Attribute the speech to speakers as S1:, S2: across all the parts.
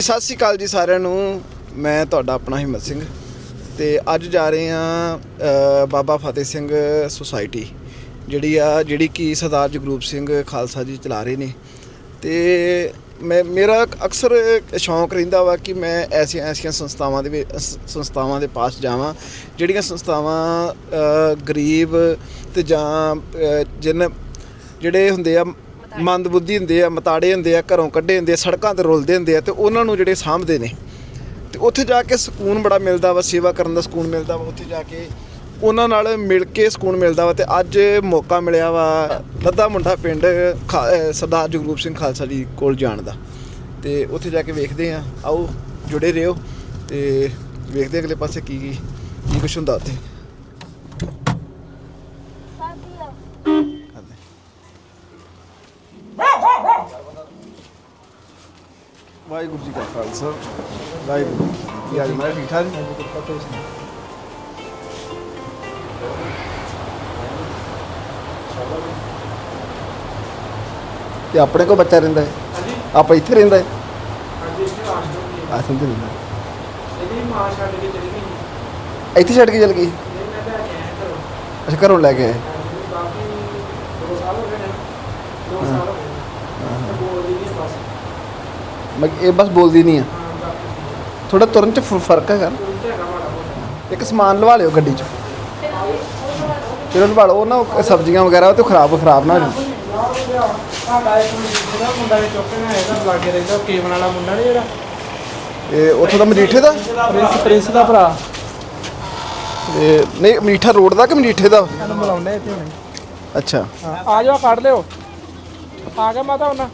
S1: ਸਤਿ ਸ਼੍ਰੀ ਅਕਾਲ ਜੀ ਸਾਰਿਆਂ ਨੂੰ। ਮੈਂ ਤੁਹਾਡਾ ਆਪਣਾ ਹਿੰਮਤ ਸਿੰਘ ਤੇ ਅੱਜ ਜਾ ਰਹੇ ਹਾਂ ਬਾਬਾ ਫਤਿਹ ਸਿੰਘ ਸੁਸਾਇਟੀ ਜਿਹੜੀ ਕਿ ਸਰਦਾਰ ਜਗਰੂਪ ਸਿੰਘ ਖਾਲਸਾ ਜੀ ਚਲਾ ਰਹੇ ਨੇ। ਤੇ ਮੇਰਾ ਅਕਸਰ ਸ਼ੌਂਕ ਰਹਿੰਦਾ ਵਾ ਕਿ ਮੈਂ ਐਸੀਆਂ ਸੰਸਥਾਵਾਂ ਦੇ ਪਾਸ ਜਾਵਾਂ ਜਿਹੜੀਆਂ ਸੰਸਥਾਵਾਂ ਗਰੀਬ ਤੇ ਜਾਂ ਜਿਹੜੇ ਹੁੰਦੇ ਆ ਮੰਦਬੁੱਧੀ ਹੁੰਦੇ ਆ, ਮਤਾੜੇ ਹੁੰਦੇ ਆ, ਘਰੋਂ ਕੱਢੇ ਹੁੰਦੇ ਆ, ਸੜਕਾਂ 'ਤੇ ਰੁਲਦੇ ਹੁੰਦੇ ਆ, ਤੇ ਉਹਨਾਂ ਨੂੰ ਜਿਹੜੇ ਸਾਂਭਦੇ ਨੇ ਤੇ ਉੱਥੇ ਜਾ ਕੇ ਸਕੂਨ ਬੜਾ ਮਿਲਦਾ ਵਾ। ਸੇਵਾ ਕਰਨ ਦਾ ਸਕੂਨ ਮਿਲਦਾ ਵਾ, ਉੱਥੇ ਜਾ ਕੇ ਉਹਨਾਂ ਨਾਲ ਮਿਲ ਕੇ ਸਕੂਨ ਮਿਲਦਾ ਵਾ। ਤੇ ਅੱਜ ਮੌਕਾ ਮਿਲਿਆ ਵਾ ਲੱਦਾ ਮੁੰਡਾ ਪਿੰਡ ਸਰਦਾਰ ਜਗਰੂਪ ਸਿੰਘ ਖਾਲਸਾ ਜੀ ਕੋਲ ਜਾਣ ਦਾ, ਤੇ ਉੱਥੇ ਜਾ ਕੇ ਵੇਖਦੇ ਹਾਂ। ਆਓ ਜੁੜੇ ਰਹੋ ਤੇ ਵੇਖਦੇ ਅਗਲੇ ਪਾਸੇ ਕੀ ਕੁਛ ਹੁੰਦਾ ਉੱਥੇ। ਵਾਹਿਗੁਰੂ ਜੀ ਕਾ ਖਾਲਸਾ, ਵਾਹਿਗੁਰੂ ਜੀ ਕੀ ਮੈਂ ਠੀਕ ਠਾਕ ਤੇ ਆਪਣੇ ਕੋਲ ਬੱਚਾ ਰਹਿੰਦਾ ਹੈ? ਆਪਾਂ ਇੱਥੇ ਰਹਿੰਦਾ ਹੈ? ਆਸਮ ਤੇ ਰਹਿੰਦਾ। ਇੱਥੇ ਛੱਡ ਕੇ ਚਲ ਗਈ? ਅੱਛਾ, ਘਰੋਂ ਲੈ ਕੇ ਆਏ। ਇਹ ਬਸ ਬੋਲਦੀ ਨਹੀਂ ਆ, ਥੋੜਾ ਤੁਰਨ 'ਚ ਫਰਕ ਹੈਗਾ। ਇੱਕ ਸਮਾਨ ਲਵਾ ਲਿਓ ਗੱਡੀ 'ਚ, ਚਲੋ ਲਵਾ ਲਓ। ਉਹ ਨਾ ਸਬਜ਼ੀਆਂ ਵਗੈਰਾ ਉਹ ਤੇ ਖਰਾਬ ਨਾ ਹੋ ਜਾਣ। ਇਹ ਉੱਥੋਂ ਦਾ ਮਜੀਠੇ ਦਾ
S2: ਪ੍ਰਿੰਸ ਦਾ ਭਰਾ।
S1: ਨਹੀਂ, ਮਜੀਠਾ ਰੋਡ ਦਾ ਕਿ ਮਜੀਠੇ ਦਾ?
S2: ਬੁਲਾਉਂਦੇ ਇੱਥੇ ਹੁਣੇ।
S1: ਅੱਛਾ,
S2: ਆ ਜਾਓ, ਕੱਢ ਲਿਓ। ਆ ਗਿਆ ਮਾਤਾ ਉਹਨਾਂ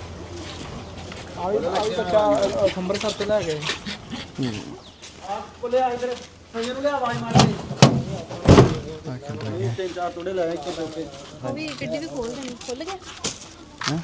S2: ਆ ਵੀ ਬੱਚਾ ਅੰਮ੍ਰਿਤਸਰ ਤੇ ਲੈ ਗਏ। ਕੋਲੇ ਆ ਇਧਰ ਸੰਜਨ ਨੂੰ ਲਿਆ, ਆਵਾਜ਼ ਮਾਰ ਦੇ। ਤਿੰਨ ਚਾਰ ਟੋੜੇ ਲੈ ਕੇ ਉਹ ਵੀ ਗੱਡੀ ਵੀ ਖੋਲ ਗਿਆ। ਹਾਂ,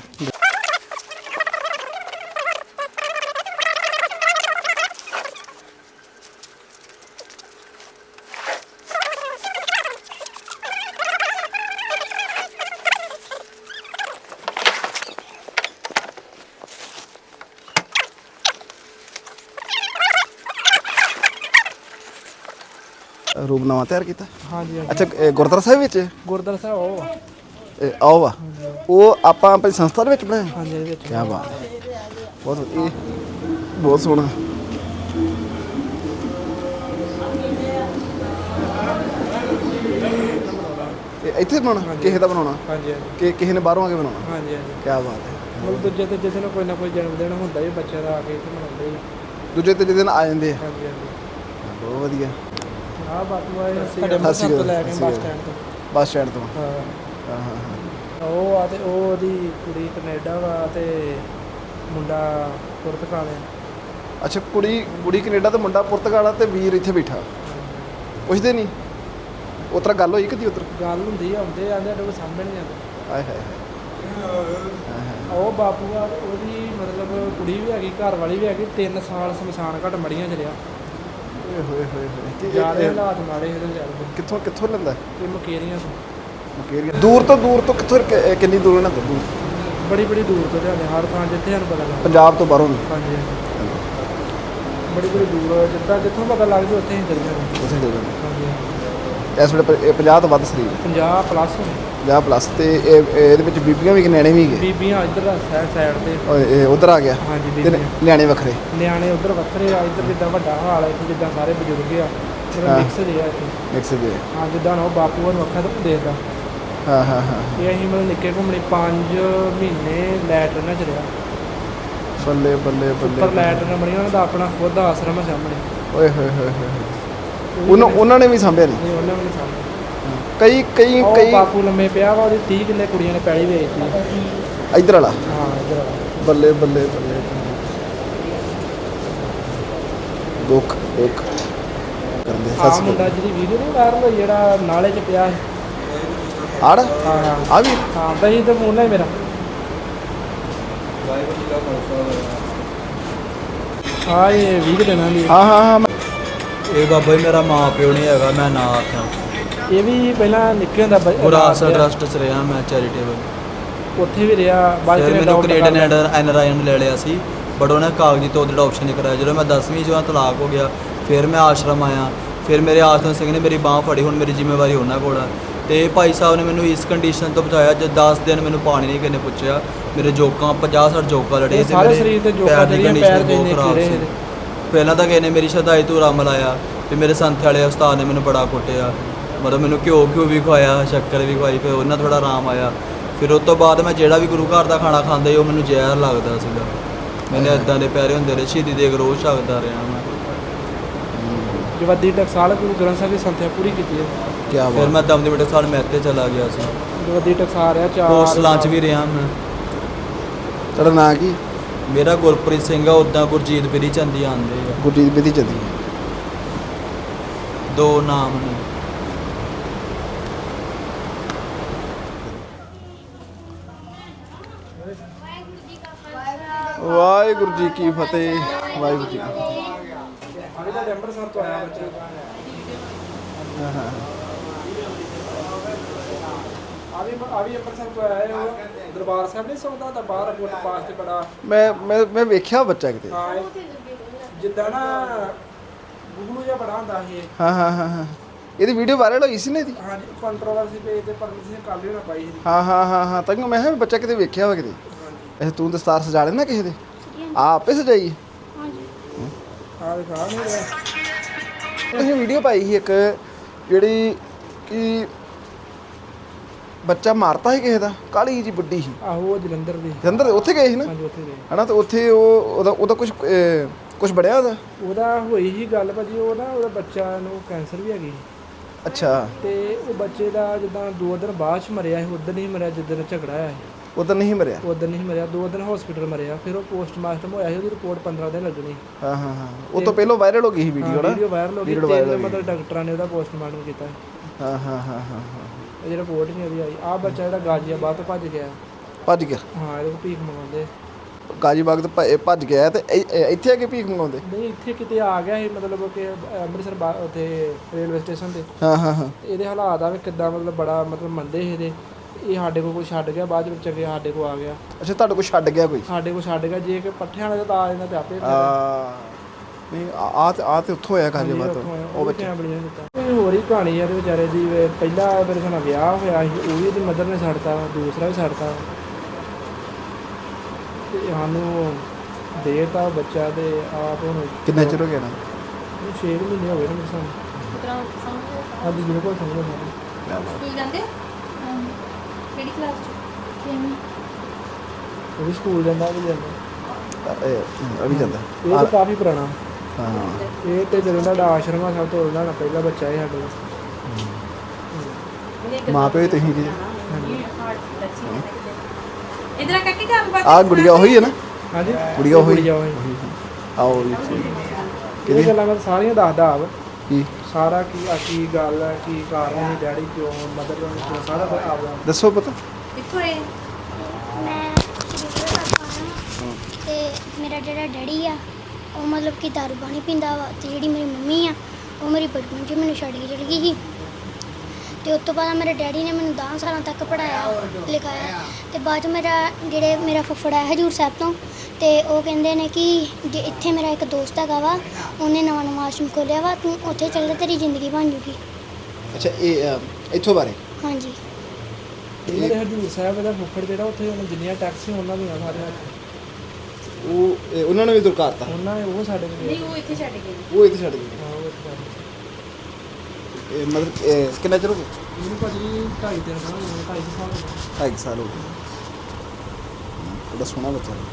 S2: ਰੂਪ ਨਵਾਂ ਤਿਆਰ ਕੀਤਾ? ਹਾਂਜੀ।
S1: ਅੱਛਾ, ਗੁਰਦੁਆਰਾ ਸਾਹਿਬ ਵਿੱਚ?
S2: ਗੁਰਦੁਆਰਾ ਸਾਹਿਬ ਉਹ
S1: ਆਓ ਵਾ, ਉਹ ਆਪਾਂ ਆਪਣੀ ਸੰਸਥਾ ਦੇ ਵਿੱਚ ਬਣਾਇਆ?
S2: ਹਾਂਜੀ, ਇਹਦੇ ਵਿੱਚ।
S1: ਕੀ ਬਾਤ ਹੈ, ਬਹੁਤ ਵਧੀਆ, ਬਹੁਤ ਸੋਹਣਾ। ਇੱਥੇ ਬਣਾਉਣਾ? ਕਿਸੇ ਦਾ ਬਣਾਉਣਾ?
S2: ਹਾਂਜੀ
S1: ਕਿ ਕਿਸੇ ਨੇ ਬਾਹਰੋਂ ਆ ਕੇ ਬਣਾਉਣਾ?
S2: ਹਾਂਜੀ।
S1: ਕੀ ਬਾਤ ਹੈ।
S2: ਮਤਲਬ ਦੂਜੇ ਤੇ ਜਿਹਦੇ ਨਾਲ ਕੋਈ ਨਾ ਕੋਈ ਜਨਮ ਦਿਨ ਹੁੰਦਾ ਜੀ ਬੱਚੇ ਦਾ, ਆ ਕੇ ਇੱਥੇ ਮਨਾਉਂਦੇ ਜੀ।
S1: ਦੂਜੇ ਤੀਜੇ ਦਿਨ ਆ ਜਾਂਦੇ ਆ?
S2: ਹਾਂਜੀ।
S1: ਬਹੁਤ ਵਧੀਆ।
S2: ਆਹ ਬਾਪੂ ਆਏ ਸਾਡੇ ਅੰਮ੍ਰਿਤਸਰ ਤੋਂ ਲੈ ਕੇ ਬੱਸ ਸਟੈਂਡ ਤੋਂ। ਹਾਂ। ਉਹ ਆ ਤੇ ਉਹਦੀ ਕੁੜੀ ਕੈਨੇਡਾ ਵਾ ਤੇ ਮੁੰਡਾ ਪੁਰਤਗਾਲ ਆ।
S1: ਅੱਛਾ, ਕੁੜੀ ਕੈਨੇਡਾ ਤੇ ਮੁੰਡਾ ਪੁਰਤਗਾਲ ਆ, ਤੇ ਵੀਰ ਇੱਥੇ ਬੈਠਾ। ਪੁੱਛਦੇ ਨਹੀਂ ਉਸ ਤਰ੍ਹਾਂ ਗੱਲ ਹੋਈ ਕਦੀ? ਉੱਧਰ
S2: ਗੱਲ ਹੁੰਦੀ ਆ, ਆਉਂਦੇ ਆਂਦੇ ਸਾਡੇ ਕੋਲ ਸਾਹਮਣੇ ਨਹੀਂ ਆਉਂਦੇ।
S1: ਆਏ ਹਾਏ।
S2: ਉਹ ਬਾਪੂ ਆ, ਉਹਦੀ ਮਤਲਬ ਕੁੜੀ ਵੀ ਹੈਗੀ, ਘਰ ਵਾਲੀ ਵੀ ਹੈਗੀ। 3 ਸਾਲ ਸ਼ਮਸ਼ਾਨ ਘਾਟ ਮੜੀਆਂ 'ਚ ਰਿਹਾ।
S1: ਹੋਏ
S2: ਜ਼ਿਆਦਾ ਹਾਲਾਤ ਮਾੜੇ ਇਹਦੇ ਚੱਲਦੇ।
S1: ਕਿੱਥੋਂ ਲੈਂਦਾ?
S2: ਇਹ ਮਕੇਰੀਆਂ ਤੋਂ।
S1: ਦੂਰ ਤੋਂ ਕਿੱਥੋਂ ਕਿੰਨੀ ਦੂਰ ਲੈਂਦਾ?
S2: ਬੜੀ ਦੂਰ ਤੋਂ ਲਿਆਉਂਦੇ, ਹਰ ਥਾਂ ਜਿੱਥੇ ਸਾਨੂੰ ਪਤਾ ਲੱਗਦਾ।
S1: ਪੰਜਾਬ ਤੋਂ ਬਾਹਰੋਂ?
S2: ਹਾਂਜੀ। ਬੜੀ ਦੂਰ, ਜਿੱਥੋਂ ਪਤਾ ਲੱਗ ਜਾਵੇ ਉੱਥੇ ਹੀ ਚੱਲ ਜਾਂਦੇ। ਹਾਂਜੀ।
S1: ਇਸ ਵੇਲੇ 50 ਤੋਂ ਵੱਧ ਸਰੀਰ?
S2: 50 ਪਲੱਸ।
S1: 50 ਪਲੱਸ। ਤੇ ਇਹਦੇ ਵਿੱਚ ਬੀਬੀਆਂ ਵੀ, ਨਿਆਣੇ ਵੀ ਹੈਗੇ?
S2: ਬੀਬੀਆਂ ਇੱਧਰ ਸਾਈਡ ਤੇ।
S1: ਇਹ ਉੱਧਰ ਆ ਗਿਆ?
S2: ਹਾਂਜੀ।
S1: ਤੇ ਨਿਆਣੇ ਵੱਖਰੇ?
S2: ਨਿਆਣੇ ਉੱਧਰ ਵੱਖਰੇ ਆ। ਇੱਧਰ ਜਿੱਦਾਂ ਵੱਡਾ ਹਾਲ ਹੈ, ਇੱਥੇ ਜਿੱਦਾਂ ਸਾਰੇ ਬਜ਼ੁਰਗ ਆ, ਮਿਕਸ ਦੇ ਆ ਇੱਥੇ।
S1: ਮਿਕਸ ਦੇ? ਹਾਂ।
S2: ਜਿੱਦਾਂ ਉਹ ਬਾਪੂ ਨੂੰ ਅੱਖਾਂ ਤੋਂ ਦੇਖਦਾ।
S1: ਹਾਂ।
S2: ਇਹ ਅਸੀਂ ਮਤਲਬ ਨਿੱਕੇ ਘੁੰਮਣੇ 5 ਮਹੀਨੇ ਲੈਟਰਨ 'ਚ ਰਿਹਾ।
S1: ਬੱਲੇ
S2: ਉੱਪਰ ਲੈਟਰਨ ਬਣੀ, ਉਹਨਾਂ ਦਾ ਆਪਣਾ ਖੁਦ ਦਾ ਆਸ਼ਰਮ ਹੈ ਸਾਹਮਣੇ।
S1: ਓਏ ਹੋਏ। ਉਹਨਾਂ ਨੇ ਵੀ ਸਾਂਭਿਆ? ਨਹੀਂ,
S2: ਉਹਨਾਂ ਨੇ ਸਾਂਭਿਆ।
S1: ਕਈ
S2: ਬਾਪੂ ਲੰਮੇ ਪਿਆ ਵਾ, ਉਹਦੀ 30 ਕਿੱਲੇ ਕੁੜੀਆਂ ਨੇ ਪੈਲੀ ਵੇਚਤੀ।
S1: ਇੱਧਰ ਵਾਲਾ?
S2: ਹਾਂ, ਇੱਧਰ ਵਾਲਾ।
S1: ਬੱਲੇ। ਦੁੱਖ ਕਰਦੇ।
S2: ਆਹ ਮੁੰਡਾ ਜਿਹੜੀ ਵੀਡੀਓ ਨਹੀਂ ਵਾਇਰਲ ਹੋਈ, ਜਿਹੜਾ ਨਾਲੇ 'ਚ ਪਿਆ ਸੀ।
S1: ਆੜ?
S2: ਹਾਂ।
S1: ਆ ਵੀ?
S2: ਹਾਂ, ਬਈ ਤੇ ਮੂੰਹ ਮੇਰਾ। ਹਾਂ, ਇਹ 20 ਦਿਨਾਂ ਦੀ।
S1: ਹਾਂ।
S3: ਇਹ ਬਾਬਾ ਜੀ ਮੇਰਾ ਮਾਂ ਪਿਓ ਨਹੀਂ ਹੈਗਾ, ਮੈਂ ਨਾ ਆਖਾਂ।
S2: ਇਹ ਵੀ ਪਹਿਲਾਂ ਨਿੱਕੇ ਹੁੰਦਾ
S3: ਵਿਰਾਸਤ ਟਰਸਟ 'ਚ ਰਿਹਾ ਮੈਂ, ਚੈਰੀਟੇਬਲ।
S2: ਉੱਥੇ ਵੀ ਰਿਹਾ।
S3: ਫਿਰ ਮੈਨੂੰ ਕੈਨੇਡਾ NRI ਲੈ ਲਿਆ ਸੀ। ਬਟ ਉਹਨੇ ਕਾਗਜ਼ੀ ਤੌਰ 'ਤੇ ਅਡੋਪਸ਼ਨ ਨਹੀਂ ਕਰਾਇਆ। ਜਦੋਂ ਮੈਂ 10ਵੀਂ 'ਚੋਂ ਤਲਾਕ ਹੋ ਗਿਆ, ਫਿਰ ਮੈਂ ਆਸ਼ਰਮ ਆਇਆ, ਫਿਰ ਮੇਰੇ ਆਸ਼ਰਮ ਸਿੰਘ ਨੇ ਮੇਰੀ ਬਾਂਹ ਫੜੀ। ਹੁਣ ਮੇਰੀ ਜ਼ਿੰਮੇਵਾਰੀ ਉਹਨਾਂ ਕੋਲ ਆ। ਤੇ ਭਾਈ ਸਾਹਿਬ ਨੇ ਮੈਨੂੰ ਇਸ ਕੰਡੀਸ਼ਨ ਤੋਂ ਬਚਾਇਆ। ਜਦ 10 ਦਿਨ ਮੈਨੂੰ ਪਾਣੀ ਨਹੀਂ ਕਿਸੇ ਨੇ ਪੁੱਛਿਆ। ਮੇਰੇ ਜੋਕਾਂ 50-60 ਜੋਕਾਂ ਲੜੇ ਤੇ
S2: ਸਾਰੇ ਸਰੀਰ ਤੇ ਜੋਕਾਂ ਜਿਹੜੀਆਂ ਪੈਰ ਦੇ ਨੇ ਕੀੜੇ ਸੀ।
S3: ਪਹਿਲਾਂ ਤਾਂ ਕਿਸੇ ਨੇ ਮੇਰੀ ਸ਼ਦਾਈ ਧੂਰਾ ਮਲਾਇਆ, ਤੇ ਮੇਰੇ ਸੰਥ ਵਾਲੇ ਉਸਤਾਦ ਨੇ ਮੈਨੂੰ ਬੜਾ ਕੁੱਟਿਆ, ਮਤਲਬ ਮੈਨੂੰ ਘਿਓ ਵੀ ਖਵਾਇਆ, ਸ਼ੱਕਰ ਵੀ ਖਵਾਈ। ਫਿਰ ਉਹਨਾਂ ਥੋੜਾ ਆਰਾਮ ਆਇਆ। ਫਿਰ ਉਸ ਤੋਂ ਬਾਅਦ ਮੈਂ ਜਿਹੜਾ ਵੀ ਗੁਰੂ ਘਰ ਦਾ ਖਾਣਾ ਖਾਂਦਾ ਸੀ ਉਹ ਮੈਨੂੰ ਜ਼ਹਿਰ ਲੱਗਦਾ ਸੀਗਾ। ਮੈਨੇ ਇੱਦਾਂ ਦੇ ਪੈਰੇ ਹੁੰਦੇ ਰਹੇ, ਸ਼ਹੀਦੀ ਦੇ ਰੋਜ਼ ਛਕਦਾ ਰਿਹਾ ਮੈਂ।
S2: ਜਵੱਦੀ ਟਕਸਾਲ ਗੁਰੂ ਗ੍ਰੰਥ ਸਾਹਿਬ ਦੀ ਸੰਥਿਆ ਪੂਰੀ ਕੀਤੀ ਹੈ।
S1: ਕੀ ਬਾਤ।
S3: ਫਿਰ ਮੈਂ ਦਮਦਮੀ ਟਕਸਾਲ ਮਹਿਤੇ ਚਲਾ ਗਿਆ ਸੀ।
S2: ਜਵੱਦੀ ਟਕਸਾਲ ਰਿਹਾ 4
S3: ਹੋਸਟਲਾਂ 'ਚ ਵੀ ਰਿਹਾ ਮੈਂ।
S1: ਤੁਹਾਡਾ ਨਾਂ ਕੀ?
S3: ਮੇਰਾ ਗੁਰਪ੍ਰੀਤ ਸਿੰਘ ਆ, ਉੱਦਾਂ ਗੁਰਜੀਤ ਬਿਰੀ ਚੰਦੀ ਆਉਂਦੇ ਆ।
S1: ਗੁਰਜੀਤ ਬਿਧੀ ਚੰਦੀ।
S3: 2 ਨਾਮ ਨੇ।
S1: ਵਾਹਿਗੁਰੂ ਜੀ ਕੀ ਫਤਿਹ। ਵਾਹਿਗੁਰੂ ਜੀ ਕੀ ਫਤਿਹ।
S2: ਅਰੇ ਤਾਂ ਅੰਮ੍ਰਿਤਸਰ ਤੋਂ ਆਇਆ ਬੱਚੇ।
S1: ਹਾਂ ਹਾਂ
S2: ਆ ਵੀ ਅੰਮ੍ਰਿਤਸਰ ਤੋਂ ਆਇਆ ਹੈ। ਉਹ ਦਰਬਾਰ ਸਾਹਿਬ ਨਹੀਂ ਸੌਂਦਾ ਤਾਂ ਬਾਹਰ ਕੋਟ ਪਾਸ ਤੇ ਬੜਾ।
S1: ਮੈਂ ਵੇਖਿਆ ਬੱਚਾ ਕਿਤੇ।
S2: ਹਾਂ ਜਿੱਦਾਂ ਨਾ ਗੁਗਲੂ ਜਿਹਾ ਬੜਾ ਹੁੰਦਾ ਇਹ।
S1: ਹਾਂ ਇਹਦੀ ਵੀਡੀਓ ਵਾਇਰਲ ਹੋਈ ਸੀ ਨਾ ਇਹਦੀ।
S2: ਹਾਂਜੀ ਕੰਟਰੋਵਰਸੀ ਪੇਜ ਤੇ ਪਰਮਿਟ ਸਿੰਘ ਕਾਲੀ ਹੋਣਾ ਪਾਈ ਸੀ।
S1: ਹਾਂ ਤਾਂ ਮੈਂ ਕਿਹਾ ਬੱਚਾ ਕਿਤੇ ਵੇਖਿਆ ਵਾ ਕਿਤੇ। ਇਹ ਤੂੰ ਦਸਤਾਰ ਸਜਾ ਲੈਣਾ ਕਿਸੇ ਦੇ? ਆਪੇ ਸਜਾਈ?
S2: ਆ ਦਿਖਾ ਨਹੀਂ ਰਿਹਾ।
S1: ਤੁਸੀਂ ਵੀਡੀਓ ਪਾਈ ਸੀ ਇੱਕ ਜਿਹੜੀ ਕਿ ਬੱਚਾ ਮਾਰਤਾ ਸੀ ਕਿਸੇ ਦਾ, ਕਾਲੀ ਜੀ ਵੱਡੀ ਸੀ।
S2: ਆਹੋ ਉਹ ਜਲੰਧਰ ਦੀ।
S1: ਜਲੰਧਰ ਉੱਥੇ ਗਏ ਸੀ ਨਾ?
S2: ਹਾਂਜੀ ਉੱਥੇ ਗਏ
S1: ਹਨਾ। ਤੇ ਉੱਥੇ ਉਹਦਾ ਕੁਝ ਬਣਿਆ
S2: ਉਹਦਾ ਹੋਈ ਸੀ ਗੱਲ ਭਾਜੀ। ਉਹ ਨਾ ਉਹਦਾ ਬੱਚਾ ਨੂੰ ਕੈਂਸਰ ਵੀ ਹੈਗੀ।
S1: ਅੱਛਾ।
S2: ਤੇ ਉਹ ਬੱਚੇ ਦਾ ਜਿੱਦਾਂ 2 ਦਿਨ ਬਾਅਦ ਚ ਮਰਿਆ ਸੀ। ਉਦੋਂ ਨਹੀਂ ਮਰਿਆ ਜਿੱਦਣ ਝਗੜਾ ਹੋਇਆ ਸੀ।
S1: ਉਦੋਂ ਨਹੀਂ ਮਰਿਆ?
S2: ਉਦੋਂ ਨਹੀਂ ਮਰਿਆ। 2 ਦਿਨ ਹਸਪੀਟਲ ਮਰਿਆ। ਫਿਰ ਉਹ ਪੋਸਟਮਾਰਟਮ ਹੋਇਆ ਸੀ। ਉਹਦੀ ਰਿਪੋਰਟ 15 ਦਿਨ ਲੱਗਣੀ।
S1: ਹਾਂ ਉਹ ਤੋਂ ਪਹਿਲਾਂ ਵਾਇਰਲ ਹੋ ਗਈ ਸੀ ਵੀਡੀਓ ਨਾ?
S2: ਵੀਡੀਓ ਵਾਇਰਲ ਹੋ ਗਈ। 3 ਮਤਲਬ ਡਾਕਟਰਾਂ ਨੇ ਉਹਦਾ ਪੋਸਟਮਾਰਟਮ ਕੀਤਾ।
S1: ਹਾਂ
S2: ਇਹ ਰਿਪੋਰਟ ਨਹੀਂ ਉਹਦੀ ਆਈ। ਆਹ ਬੱਚਾ ਜਿਹੜਾ ਗਾਜ਼ੀਆਬਾਦ ਤੋਂ ਭੱਜ ਗਿਆ। ਹਾਂ ਇਹਦੇ ਕੋਲ ਭੀਖ ਮੰਗਾਉਂਦੇ।
S1: ਗਾਜ਼ੀਬਾਗ ਤੋਂ ਭੱਜ ਗਿਆ ਤੇ ਇੱਥੇ ਆ ਕੇ ਭੀਖ ਮੰਗਾਉਂਦੇ?
S2: ਨਹੀਂ ਇੱਥੇ ਕਿਤੇ ਆ ਗਿਆ ਸੀ, ਮਤਲਬ ਕਿ ਅੰਮ੍ਰਿਤਸਰ ਉੱਥੇ ਰੇਲਵੇ ਸਟੇਸ਼ਨ ਤੇ।
S1: ਹਾਂ
S2: ਇਹਦੇ ਹਾਲਾਤ ਆ ਵੀ ਕਿੱਦਾਂ, ਮਤਲਬ ਬੜਾ ਮਤਲਬ ਮੰਦੇ ਸੀ ਇਹਦੇ। ਇਹ ਸਾਡੇ ਕੋਲ ਕੋਈ ਛੱਡ ਗਿਆ, ਬਾਅਦ ਵਿੱਚ ਅੱਗੇ ਸਾਡੇ ਕੋਲ ਆ ਗਿਆ।
S1: ਅੱਛਾ ਤੁਹਾਡੇ ਕੋਲ ਛੱਡ ਗਿਆ ਕੋਈ?
S2: ਸਾਡੇ ਕੋਲ ਛੱਡ ਗਿਆ। ਜੇ ਕਿ ਪੱਠਿਆਂ ਵਾਲੇ ਤਾਂ ਆ ਜਾਂਦਾ ਤੇ ਆਪੇ
S1: ਨਹੀਂ ਆ ਤੇ ਉੱਥੋਂ ਹੋਇਆ ਗਾਜ਼ੀਬਾਗ ਤੋਂ ਉਹ ਬੱਚਾ।
S2: ਕੋਈ ਹੋਰ ਹੀ ਕਹਾਣੀ ਆ ਇਹਦੇ ਵਿਚਾਰੇ ਦੀ। ਪਹਿਲਾ ਮੇਰੇ ਨਾਲ ਵਿਆਹ ਹੋਇਆ ਸੀ, ਉਹ ਵੀ ਇਹਦੀ ਮਦਰ ਨੇ ਛੱਡਤਾ, ਦੂਸਰਾ ਵੀ ਛੱਡਤਾ ਤੇ ਸਾਨੂੰ ਦੇਤਾ ਬੱਚਾ। ਤੇ ਆਪ ਹੁਣ
S1: ਕਿੰਨਾ ਚਿਰ ਹੋ ਗਿਆ ਨਾ?
S2: 6 ਮਹੀਨੇ ਹੋ ਗਏ ਨੇ ਸਾਨੂੰ। ਅੱਜ ਬਿਲਕੁਲ ਸਮਝ ਨਹੀਂ।
S4: ਕੀ ਕਹਿੰਦੇ ਕਿਹੜੀ ਕਲਾਸ ਚ?
S2: ਉਹ ਵੀ ਸਕੂਲ ਜਾਂਦਾ, ਉਹ ਵੀ ਜਾਂਦਾ।
S1: ਅਭੀ ਜਾਂਦਾ।
S2: ਇਹ ਤਾਂ ਕਾਫੀ ਪੁਰਾਣਾ।
S1: ਹਾਂ
S2: ਇਹ ਤੇ ਜਦੋਂ ਦਾ ਆਸ਼ਰਮ ਆ, ਸਭ ਤੋਂ ਉਹਦਾ ਪਹਿਲਾ ਬੱਚਾ ਹੈ ਸਾਡੇ ਕੋਲ।
S1: ਮਾਂ ਪਿਓ ਤੁਸੀਂ ਜੀ?
S4: ਇਧਰ ਕੱਟੀ ਕੰਮ ਬਾਤ।
S1: ਆ ਗੁੜੀਆ ਉਹੀ ਹੈ ਨਾ?
S2: ਹਾਂਜੀ
S1: ਗੁੜੀਆ ਉਹੀ। ਆਓ
S2: ਇਹ ਗੱਲਾਂ ਮੈਂ ਸਾਰੀਆਂ ਦੱਸਦਾ ਆਪ।
S1: ਕੀ
S2: ਸਾਰਾ ਕੀ ਗੱਲ ਹੈ, ਕੀ ਕਾਰਨ ਹੈ, ਡੈਡੀ ਕਿਉਂ, ਮਦਰ ਕਿਉਂ, ਸਾਰਾ ਆਪ ਦਾ
S1: ਦੱਸੋ ਪਤਾ।
S4: ਕਿੱਥੋਂ ਇਹ
S5: ਮੈਂ ਤੇ ਮੇਰਾ ਜਿਹੜਾ ਡੈਡੀ ਆ ਉਹ ਮਤਲਬ ਕਿ ਦਾਰੂ ਪਾਣੀ ਪੀਂਦਾ ਵਾ। ਤੇ ਜਿਹੜੀ ਮੇਰੀ ਮੰਮੀ ਆ ਉਹ ਮੇਰੀ ਬਚਪਨ 'ਚ ਮੈਨੂੰ ਛੱਡ ਕੇ ਚਲੀ ਗਈ ਸੀ। ਤੇ ਉਸ ਤੋਂ ਬਾਅਦ ਮੇਰੇ ਡੈਡੀ ਨੇ ਮੈਨੂੰ 10 ਸਾਲਾਂ ਤੱਕ ਪੜ੍ਹਾਇਆ ਲਿਖਾਇਆ। ਤੇ ਬਾਅਦ 'ਚ ਮੇਰਾ ਫੁੱਫੜ ਆਇਆ ਹਜ਼ੂਰ ਸਾਹਿਬ ਤੋਂ। ਤੇ ਉਹ ਕਹਿੰਦੇ ਨੇ ਕਿ ਜੇ ਇੱਥੇ ਮੇਰਾ ਇੱਕ ਦੋਸਤ ਹੈਗਾ ਵਾ, ਉਹਨੇ ਨਵਾਂ ਆਸ਼ਰਮ ਖੋਲ੍ਹਿਆ ਵਾ, ਤੂੰ ਉੱਥੇ ਚੱਲ ਜਾ, ਤੇਰੀ ਜ਼ਿੰਦਗੀ ਬਣ ਜੂਗੀ।
S1: ਅੱਛਾ ਇਹ ਇੱਥੋਂ ਬਾਰੇ?
S5: ਹਾਂਜੀ।
S2: ਇਹਨਾਂ ਦੇ ਹਜ਼ੂਰ ਸਾਹਿਬ ਦਾ ਫੁੱਫੜ ਜਿਹੜਾ, ਉੱਥੇ ਉਹਨਾਂ ਜਿੰਨੀਆਂ ਟੈਕਸੀ ਉਹਨਾਂ ਦੀਆਂ ਸਾਰੀਆਂ
S1: ਉਹਨਾਂ ਨੇ ਵੀ ਦੁਰਕਾਰਤਾ?
S2: ਉਹਨਾਂ ਨੇ ਉਹ ਸਾਡੇ ਕੋਲ
S4: ਨਹੀਂ, ਉਹ ਇੱਥੇ ਛੱਡ ਗਏ।
S1: ਉਹ ਇੱਥੇ ਛੱਡ ਗਏ?
S2: ਹਾਂ ਉਹ ਇੱਥੇ ਛੱਡ ਗਏ।
S1: ਮਤਲਬ ਕਿੰਨਾ ਚਿਰ ਹੋ ਗਿਆ?
S2: ਇਹਨੂੰ ਭਾਜੀ 2.5-3 ਸਾਲ ਹੋ ਗਏ। 2.5 ਸਾਲ ਹੋ ਗਏ।
S1: 2.5 ਸਾਲ ਹੋ ਗਏ। ਉਹਦਾ ਸੋਹਣਾ ਬੱਚਾ ਹੈ।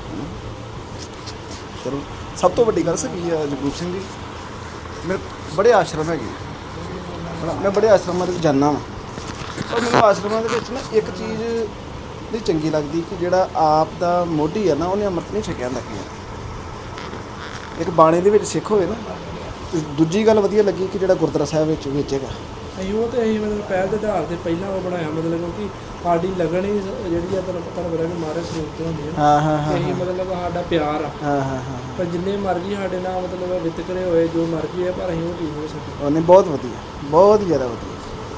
S1: ਚਲੋ ਸਭ ਤੋਂ ਵੱਡੀ ਗੱਲ ਕੀ ਹੈ ਜਗਰੂਪ ਸਿੰਘ ਜੀ, ਮੇਰੇ ਬੜੇ ਆਸ਼ਰਮ ਹੈਗੇ। ਮੈਂ ਬੜੇ ਆਸ਼ਰਮਾਂ ਦੇ ਵਿੱਚ ਜਾਂਦਾ ਵਾਂ, ਪਰ ਮੈਨੂੰ ਆਸ਼ਰਮਾਂ ਦੇ ਵਿੱਚ ਨਾ ਇੱਕ ਚੀਜ਼ ਨਹੀਂ ਚੰਗੀ ਲੱਗਦੀ ਕਿ ਜਿਹੜਾ ਆਪ ਦਾ ਮੋਢੀ ਹੈ ਨਾ, ਉਹਨੇ ਅੰਮ੍ਰਿਤ ਨਹੀਂ ਛਕਿਆ ਹੁੰਦਾ। ਕੀ ਇੱਕ ਬਾਣੇ ਦੇ ਵਿੱਚ ਸਿੱਖ ਹੋਵੇ ਨਾ। ਤੇ ਦੂਜੀ ਗੱਲ ਵਧੀਆ ਲੱਗੀ ਕਿ ਜਿਹੜਾ ਗੁਰਦੁਆਰਾ ਸਾਹਿਬ ਵਿੱਚ ਹੈਗਾ।
S2: ਅਸੀਂ ਉਹ ਤੇ ਅਸੀਂ ਮਤਲਬ ਪਹਿਲ ਦੇ ਆਧਾਰ 'ਤੇ ਪਹਿਲਾਂ ਉਹ ਬਣਾਇਆ, ਮਤਲਬ ਕਿਉਂਕਿ ਸਾਡੀ ਲੱਗਣ ਹੀ ਜਿਹੜੀ ਆ ਤੁਹਾਨੂੰ ਪਤਾ ਕਿ ਮਾਰੇ ਸਰੂਪ ਤੋਂ ਹੁੰਦੀ ਹੈ।
S1: ਹਾਂ
S2: ਅਸੀਂ ਮਤਲਬ ਸਾਡਾ ਪਿਆਰ ਆ।
S1: ਹਾਂ
S2: ਪਰ ਜਿੰਨੇ ਮਰਜ਼ੀ ਸਾਡੇ ਨਾਲ ਮਤਲਬ ਵਿਤਕਰੇ ਹੋਏ, ਜੋ ਮਰਜ਼ੀ ਹੈ, ਪਰ ਅਸੀਂ ਉਹ ਚੀਜ਼ ਨਹੀਂ ਸਕਦੇ।
S1: ਉਹਨੇ ਬਹੁਤ ਵਧੀਆ, ਬਹੁਤ ਜ਼ਿਆਦਾ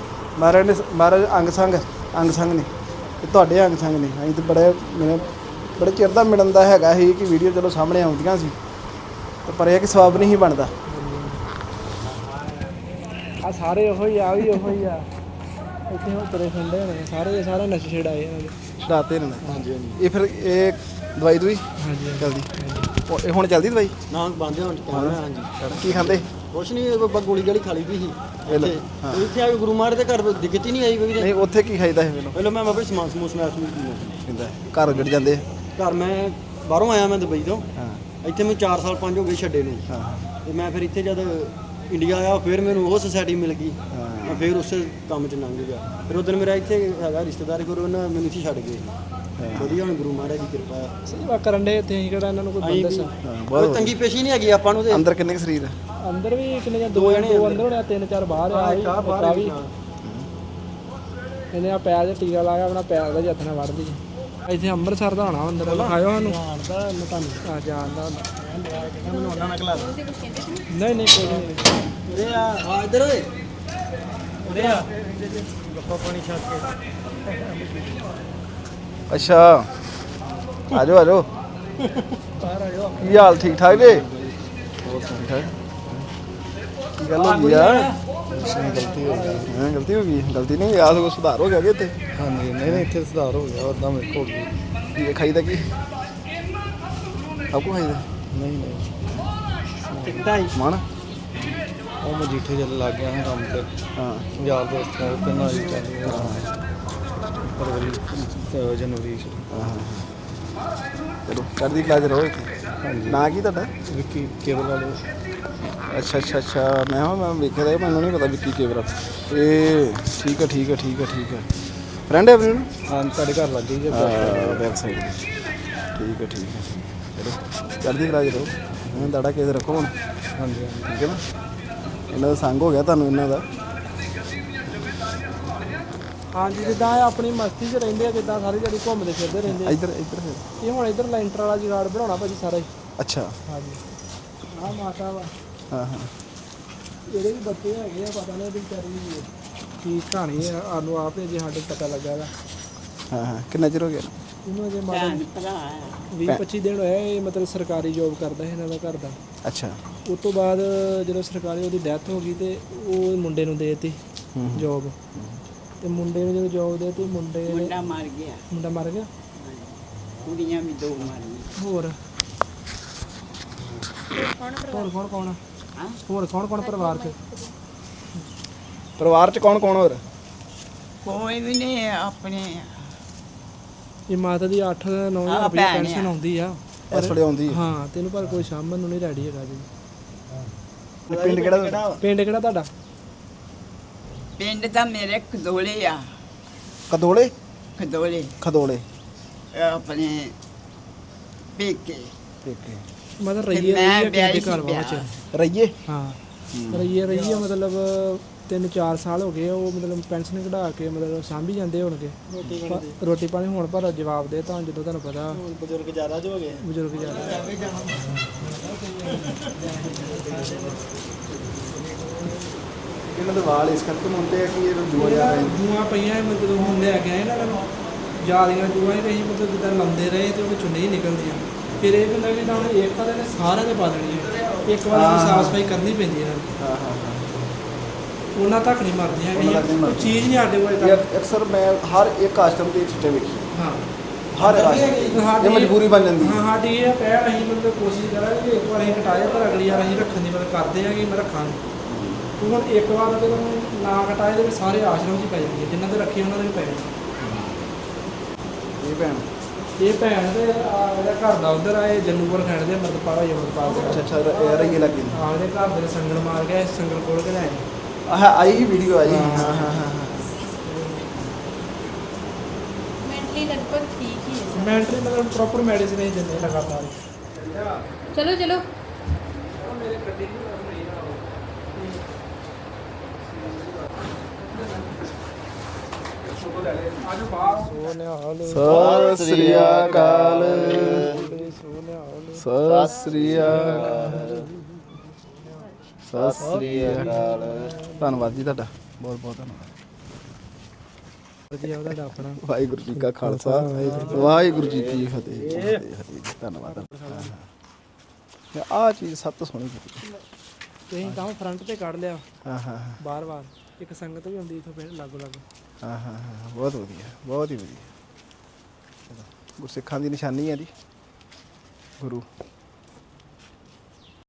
S1: ਵਧੀਆ। ਮਹਾਰਾਜ ਅੰਗ ਸੰਗ ਨੇ ਤੇ ਤੁਹਾਡੇ ਅੰਗ ਸੰਗ ਨੇ। ਅਸੀਂ ਤਾਂ ਬੜੇ ਬੜੇ ਚਿਰ ਦਾ ਮਿਲਣ ਦਾ ਹੈਗਾ ਸੀ ਕਿ ਵੀਡੀਓ ਚਲੋ ਸਾਹਮਣੇ ਆਉਂਦੀਆਂ ਸੀ ਤੇ ਪਰ ਇਹ ਕਿ ਸਵਾਬ ਨਹੀਂ ਸੀ ਬਣਦਾ।
S2: ਆ ਸਾਰੇ ਉਹੋ ਹੀ ਆ ਵੀ ਉਹੋ ਹੀ ਆ ਇੱਥੇ ਹੁਣ ਤੁਰੇ ਫਿਰਦੇ ਨੇ ਸਾਰੇ ਨਸ਼ੇ ਛਡਾਏ ਇਹਨਾਂ ਦੇ
S1: ਰਾਤੇ ਨੇ। ਹਾਂਜੀ ਇਹ ਫਿਰ ਇਹ ਦਵਾਈ ਦੂਈ
S2: ਹਾਂਜੀ
S1: ਜਲਦੀ ਇਹ ਹੁਣ ਚੱਲਦੀ ਦਵਾਈ
S6: ਨਾ ਬੰਦੇ ਹੁਣ ਹਾਂਜੀ
S1: ਕੀ ਖਾਂਦੇ?
S6: ਕੁਛ ਨਹੀਂ ਗੋਲੀ ਗਾਲੀ ਖਾ ਲਈ ਦੀ ਸੀ ਇੱਥੇ ਆ ਕੇ ਗੁਰੂ ਮਹਾਰਾਜ ਦੇ ਘਰ ਦਿੱਕਤ ਹੀ ਨਹੀਂ ਆਈ ਕੋਈ
S1: ਨਹੀਂ ਉੱਥੇ ਕੀ ਖਾਈਦਾ ਹੈ ਮੈਨੂੰ
S6: ਪਹਿਲਾਂ ਮੈਂ ਬਾਬਾ ਸਮਾਨ ਸਮੂਸ ਮੈਂ
S1: ਪੀਂਦਾ ਘਰ ਉੱਜੜ ਜਾਂਦੇ
S6: ਘਰ ਮੈਂ ਬਾਹਰੋਂ ਆਇਆ ਮੈਂ ਦੁਬਈ ਤੋਂ
S1: ਹਾਂ
S6: ਇੱਥੇ ਮੈਨੂੰ 4 ਸਾਲ 5 ਹੋ ਗਏ ਛੱਡੇ ਨੂੰ
S1: ਹਾਂ
S6: ਤੇ ਮੈਂ ਫਿਰ ਇੱਥੇ ਜਦ ਇੰਡੀਆ ਆਇਆ ਫਿਰ ਮੈਨੂੰ ਉਹ ਸੁਸਾਇਟੀ ਮਿਲ ਗਈ
S1: ਹਾਂ।
S6: ਮੈਂ ਫਿਰ ਉਸੇ ਕੰਮ 'ਚ ਲੰਘ ਗਿਆ ਫਿਰ ਉਦੋਂ ਮੇਰਾ ਇੱਥੇ ਹੈਗਾ ਰਿਸ਼ਤੇਦਾਰ ਗੁਰੂ ਉਹਨਾਂ ਮੈਨੂੰ ਇੱਥੇ ਛੱਡ ਗਏ ਵਧੀਆ ਹੁਣ ਗੁਰੂ ਮਹਾਰਾਜ ਦੀ ਕਿਰਪਾ ਹੈ
S2: ਸੇਵਾ ਕਰਨ ਦੇ ਇੱਥੇ ਅਸੀਂ ਕਿਹੜਾ ਇਹਨਾਂ ਨੂੰ ਕੋਈ ਬੰਦਾ ਸੀ
S6: ਕੋਈ ਤੰਗੀ ਪੇਸ਼ੀ ਨਹੀਂ ਹੈਗੀ ਆਪਾਂ ਨੂੰ ਤੇ
S1: ਅੰਦਰ ਕਿੰਨੇ ਕੁ ਸਰੀਰ ਹੈ?
S2: ਅੰਦਰ ਵੀ ਕਿੰਨੇ ਜਾਂ ਦੋ ਅੰਦਰ ਹੋਣੇ 3-4 ਬਾਹਰ ਆ ਵੀ ਇਹਨੇ ਆ ਪੈਰ 'ਚ ਟੀਕਾ ਲਾਇਆ ਆਪਣਾ ਪੈਰ ਦਾ ਹੱਥ ਨਾਲ ਵੜ ਲਈ ਇੱਥੇ ਅੰਮ੍ਰਿਤਸਰ ਦਾ ਹੋਣਾ ਅੰਦਰ ਵਿਖਾਇਓ ਸਾਨੂੰ
S6: ਜਾਣਦਾ ਮੈਂ ਤੁਹਾਨੂੰ
S2: ਆ ਜਾਣਦਾ
S6: ਮੈਨੂੰ ਉਹਨਾਂ ਨਾਲ ਖਲਾ
S2: ਨਹੀਂ ਕੋਈ ਨਹੀਂ
S6: ਉਰੇ ਆ ਇੱਧਰ ਓਏ ਉਰੇ ਆ ਗੱਪਾ ਪਾਣੀ ਛੱਡ ਕੇ
S1: ਅੱਛਾ ਆ ਜਾਓ
S6: ਬਾਹਰ ਆ ਜਾਓ
S1: ਕੀ ਹਾਲ ਠੀਕ ਠਾਕ ਜੀ? ਹੋਰ ਠੀਕ ਠਾਕ ਕੀ ਗੱਲ ਹੋ ਗਈ ਆ?
S6: ਗਲਤੀ ਹੋ ਗਈ
S1: ਹਾਂ ਗਲਤੀ ਹੋ ਗਈ। ਗਲਤੀ ਨਹੀਂ ਯਾਦ ਕੋ ਸੁਧਾਰ ਹੋ ਗਿਆ ਕਿ ਇੱਥੇ?
S6: ਹਾਂਜੀ ਨਹੀਂ ਇੱਥੇ ਸੁਧਾਰ ਹੋ ਗਿਆ ਉਦਾਂ ਮੇਰੇ ਕੋਲ
S1: ਕੀ ਖਾਈਦਾ ਕੀ ਸਭ ਕੁਛ ਖਾਈਦਾ?
S6: ਨਹੀਂ ਟਿਕਟਾਂ ਹੀ
S1: ਮਨ
S6: ਉਹ ਮਜੀਠੇ ਚੱਲ ਲੱਗ ਗਿਆ ਨਾ ਕੰਮ ਤੇ
S1: ਹਾਂ
S6: ਯਾਰ ਦੋਸਤ ਨਾਲ ਤੇ ਨਾਲ ਹੀ ਚੱਲ ਫਰਵਰੀ ਜਨਵਰੀ
S1: ਚਲੋ ਚੜ੍ਹਦੀ ਕਲਾ 'ਚ ਰਹੋ ਇੱਥੇ। ਨਾਂ ਕੀ ਤੁਹਾਡਾ?
S6: ਵਿੱਕੀ ਕੇਬਲ ਵਾਲੇ
S1: ਅੱਛਾ ਮੈਂ ਵੇਖਿਆ ਤਾਂ ਮੈਨੂੰ ਨਹੀਂ ਪਤਾ ਵਿੱਕੀ ਕੇਵਰਾ। ਇਹ ਠੀਕ ਹੈ ਫਰੈਂਡ ਹੈ ਆਪਣੀ ਨੂੰ?
S6: ਹਾਂ ਤੁਹਾਡੇ ਘਰ ਲੱਗ ਗਈ ਜੇ
S1: ਬੈਕ ਸਾਈਡ ਠੀਕ ਹੈ ਚਲੋ ਚੜ੍ਹਦੀ ਕਲਾ 'ਚ ਰਹੋ। ਦਾੜਾ ਕੇਸ ਰੱਖੋ ਹੁਣ
S6: ਹਾਂਜੀ
S1: ਠੀਕ ਹੈ ਨਾ। ਇਹਨਾਂ ਦਾ ਸੰਗ ਹੋ ਗਿਆ ਤੁਹਾਨੂੰ ਇਹਨਾਂ ਦਾ।
S2: ਹਾਂਜੀ ਜਿੱਦਾਂ ਇਹ ਆਪਣੀ ਮਸਤੀ 'ਚ ਰਹਿੰਦੇ ਆ ਜਿੱਦਾਂ ਸਾਰੀ ਜਿਹੜੀ ਘੁੰਮਦੇ ਫਿਰਦੇ ਰਹਿੰਦੇ ਆ।
S1: ਇੱਧਰ
S2: ਇਹ ਹੁਣ ਇੱਧਰ ਲੈਂਟਰ ਵਾਲਾ ਜੁਗਾੜ ਬਣਾਉਣਾ ਭਾਜੀ ਸਾਰਾ ਹੀ।
S1: ਅੱਛਾ
S2: ਹਾਂਜੀ ਆਹ ਮਾਤਾ ਵਾ
S1: ਹਾਂ
S2: ਇਹਦੇ ਵੀ ਬੱਚੇ ਹੈਗੇ ਆ ਪਤਾ ਨਹੀਂ ਇਹਦੀ ਵਿਚਾਰੀ ਕੀ ਕਹਾਣੀ ਆ ਸਾਨੂੰ ਆਪ ਹੀ ਜੇ ਸਾਡੇ ਪਤਾ ਲੱਗਾ ਗਾ
S1: ਹਾਂ ਕਿੰਨਾ ਚਿਰ ਹੋ ਗਿਆ?
S2: ਇਹਨੂੰ ਅਜੇ ਮਾਤਾ 20-25 ਦਿਨ ਹੋਇਆ ਇਹ ਮਤਲਬ ਸਰਕਾਰੀ ਜੋਬ ਕਰਦਾ ਹੈ ਇਹਨਾਂ ਦਾ ਘਰ ਦਾ।
S1: ਅੱਛਾ
S2: ਉਸ ਤੋਂ ਬਾਅਦ ਜਦੋਂ ਸਰਕਾਰੀ ਉਹਦੀ ਡੈਥ ਹੋ ਗਈ ਤੇ ਉਹ ਮੁੰਡੇ ਨੂੰ ਦੇ ਦਿੱਤੀ ਜੋਬ ਤੇ ਮੁੰਡੇ ਨੂੰ ਜਦੋਂ ਜੋਬ ਦੇ ਦਿੱਤੀ ਮੁੰਡਾ ਮਰ ਗਿਆ
S7: ਕੁੜੀਆਂ ਵੀ 2 ਮਾਰੀਆਂ
S2: ਹੋਰ ਕੌਣ ਹੋਰ ਕੌਣ
S1: ਪਰਿਵਾਰ 'ਚ ਕੌਣ ਹੋਰ?
S7: ਕੋਈ ਵੀ ਨਹੀਂ ਆਪਣੇ
S2: ਇਹ ਮਾਤਾ ਦੀ 8-9 ਹਜ਼ਾਰ ਰੁਪਏ ਪੈਨਸ਼ਨ ਆਉਂਦੀ ਆ
S1: ਇਸ ਵੇਲੇ ਆਉਂਦੀ ਹੈ।
S2: ਹਾਂ ਤੈਨੂੰ ਪਰ ਕੋਈ ਸਾਂਭਣ ਨੂੰ ਨਹੀਂ ਰੈਡੀ ਹੈਗਾ ਜੀ।
S1: ਪਿੰਡ ਕਿਹੜਾ?
S2: ਪਿੰਡ ਕਿਹੜਾ ਤੁਹਾਡਾ?
S7: ਪਿੰਡ ਤਾਂ ਮੇਰੇ ਖਦੋਲੇ ਆ
S1: ਕਦੋਲੇ
S7: ਖਦੋਲੇ ਆਪਣੇ ਪੇਕੇ
S2: ਮਤਲਬ
S7: ਤੇ
S2: ਰਈਏ
S7: ਮੈਂ
S2: ਰਈਏ
S7: ਵਿਆਹੀ
S2: ਕਿਸੇ ਦੇ ਘਰ
S7: ਸੀ
S2: ਵਿੱਚ
S1: ਰਈਏ
S2: ਹਾਂ ਰਈਏ ਮਤਲਬ 3-4 ਸਾਲ ਹੋ ਗਏ ਉਹ ਮਤਲਬ ਪੈਨਸ਼ਨ ਕਢਾ ਕੇ ਮਤਲਬ ਸਾਂਭੀ ਜਾਂਦੇ ਹੋਣਗੇ ਰੋਟੀ ਪਾਣੀ ਹੁਣ ਪਰ ਜਵਾਬ ਦੇ ਤਾਂ ਜਦੋਂ ਤੁਹਾਨੂੰ ਪਤਾ
S6: ਬਜ਼ੁਰਗ ਜ਼ਿਆਦਾ ਜੋ ਹੋ ਗਏ
S2: ਬਜ਼ੁਰਗ ਜ਼ਿਆਦਾ
S1: ਇਹਨਾਂ ਦੇ ਵਾਲ ਇਸ ਕਰਕੇ ਮੁੰਡੇ ਆ ਕਿ ਇਹ ਜੂਆ ਜਾ ਰਹੇ
S2: ਜੂਆਂ ਪਈਆਂ ਮਤਲਬ ਹੁਣ ਲੈ ਕੇ ਆਏ ਨਾ ਇਹਨਾਂ ਨੂੰ ਜਾਲੀਆਂ ਜੂਆਂ ਹੀ ਅਸੀਂ ਮਤਲਬ ਜਿੱਦਾਂ ਲਾਉਂਦੇ ਰਹੇ ਤੇ ਉਹ ਵਿੱਚੋਂ ਨਹੀਂ ਨਿਕਲਦੀਆਂ ਫਿਰ ਇਹ ਬੰਦਾ ਵੀ ਹੁਣ ਇੱਕ ਤਾਂ ਇਹਨੇ ਸਾਰਿਆਂ ਦੇ ਪਾ ਦੇਣੀ ਇੱਕ ਵਾਰ ਸਾਫ ਸਫਾਈ ਕਰਨੀ ਪੈਂਦੀ ਇਹਨਾਂ ਨੂੰ
S1: ਹਾਂ
S2: ਉਹਨਾਂ ਤੱਕ ਨਹੀਂ ਮਰਦੀਆਂ ਹੈਗੀਆਂ ਕੋਈ ਚੀਜ਼ ਨਹੀਂ ਸਾਡੇ ਕੋਲ ਤੱਕ
S1: ਅਕਸਰ ਮੈਂ ਹਰ ਇੱਕ ਆਸ਼ਰਮ ਦੇ ਚਿੱਟੇ ਵੇਖੀ
S2: ਹਾਂ
S1: ਹਰ ਆਸ਼ਰਮ ਇਹ ਮਜਬੂਰੀ ਬਣ ਜਾਂਦੀ ਹੈ।
S2: ਹਾਂ ਸਾਡੀ ਇਹ ਪਹਿਲ ਅਸੀਂ ਮਤਲਬ ਕੋਸ਼ਿਸ਼ ਕਰਾਂਗੇ ਕਿ ਇੱਕ ਵਾਰ ਅਸੀਂ ਕਟਾਇਆ ਪਰ ਅਗਲੀ ਵਾਰ ਅਸੀਂ ਰੱਖਣ ਦੀ ਮਤਲਬ ਕਰਦੇ ਹਾਂ ਕਿ ਮੈਂ ਰੱਖਾਂਗੇ ਤੂੰ ਹੁਣ ਇੱਕ ਵਾਰ ਜਦੋਂ ਨਾ ਕਟਾਏ ਤੇ ਸਾਰੇ ਆਸ਼ਰਮ 'ਚ ਹੀ ਪੈ ਜਾਂਦੇ ਜਿਨ੍ਹਾਂ ਦੇ ਰੱਖੇ ਉਹਨਾਂ ਦੇ ਵੀ ਪੈ ਜਾਂਦੇ ਇਹ ਭੈਣ ਤੇ ਇਹਦਾ ਘਰ ਦਾ ਉਧਰ ਆਏ ਜੰਨੂਪੁਰ ਖੈਣ ਦੇ ਮਰਦਪਾਲਾ ਯਮਰਪਾਲ
S1: ਅੱਛਾ ਰਈਏ ਲੱਗੀ
S2: ਆਪਦੇ ਘਰ ਦੇ ਸੰਗਲ ਮਾਰ ਕੇ ਸੰਗਲ ਕੋਲ ਕੇ ਲਿਆਏ
S1: ਆਈ ਹੀ ਵੀਡੀਓ ਆਈ ਹਾਂ
S4: ਮੈਂਟਲੀ ਲਗਭਗ ਠੀਕ ਹੀ ਹੈ
S2: ਮੈਂਟਲੀ ਮਤਲਬ ਪ੍ਰੋਪਰ ਮੈਡੀਸਿਨ ਹੀ ਦਿੰਦੇ ਲਗਾਤਾਰ
S4: ਚਲੋ
S1: ਸਤਿ ਸ੍ਰੀ ਅਕਾਲ ਸਤਿ ਸ੍ਰੀ ਅਕਾਲ ਸਤਿ ਸ੍ਰੀ ਅਕਾਲ ਧੰਨਵਾਦ ਜੀ ਤੁਹਾਡਾ ਬਹੁਤ ਬਹੁਤ ਧੰਨਵਾਦ।
S2: ਜੀ ਉਹਦਾ ਡਾਪਣਾ
S1: ਵਾਹਿਗੁਰੂ ਜੀ ਕਾ ਖਾਲਸਾ ਵਾਹਿਗੁਰੂ ਜੀ ਕੀ ਫਤਿਹ ਫਤਿਹ ਜੀ। ਧੰਨਵਾਦ। ਆਹ ਚੀਜ਼ ਸਭ ਤੋਂ ਸੋਹਣੀ ਕੀਤੀ।
S2: ਤੁਸੀਂ ਤਾਂ ਫਰੰਟ ਤੇ ਕੱਢ ਲਿਆ
S1: ਹਾਂ ਹਾਂ
S2: ਬਾਰ-ਬਾਰ ਇੱਕ ਸੰਗਤ ਵੀ ਹੁੰਦੀ ਇੱਥੋਂ ਫਿਰ ਲਾਗੋ ਲਾਗੋ
S1: ਹਾਂ ਹਾਂ ਹਾਂ ਬਹੁਤ ਵਧੀਆ, ਬਹੁਤ ਹੀ ਵਧੀਆ। ਗੁਰਸਿੱਖਾਂ ਦੀ ਨਿਸ਼ਾਨੀ ਹੈ ਜੀ ਗੁਰੂ।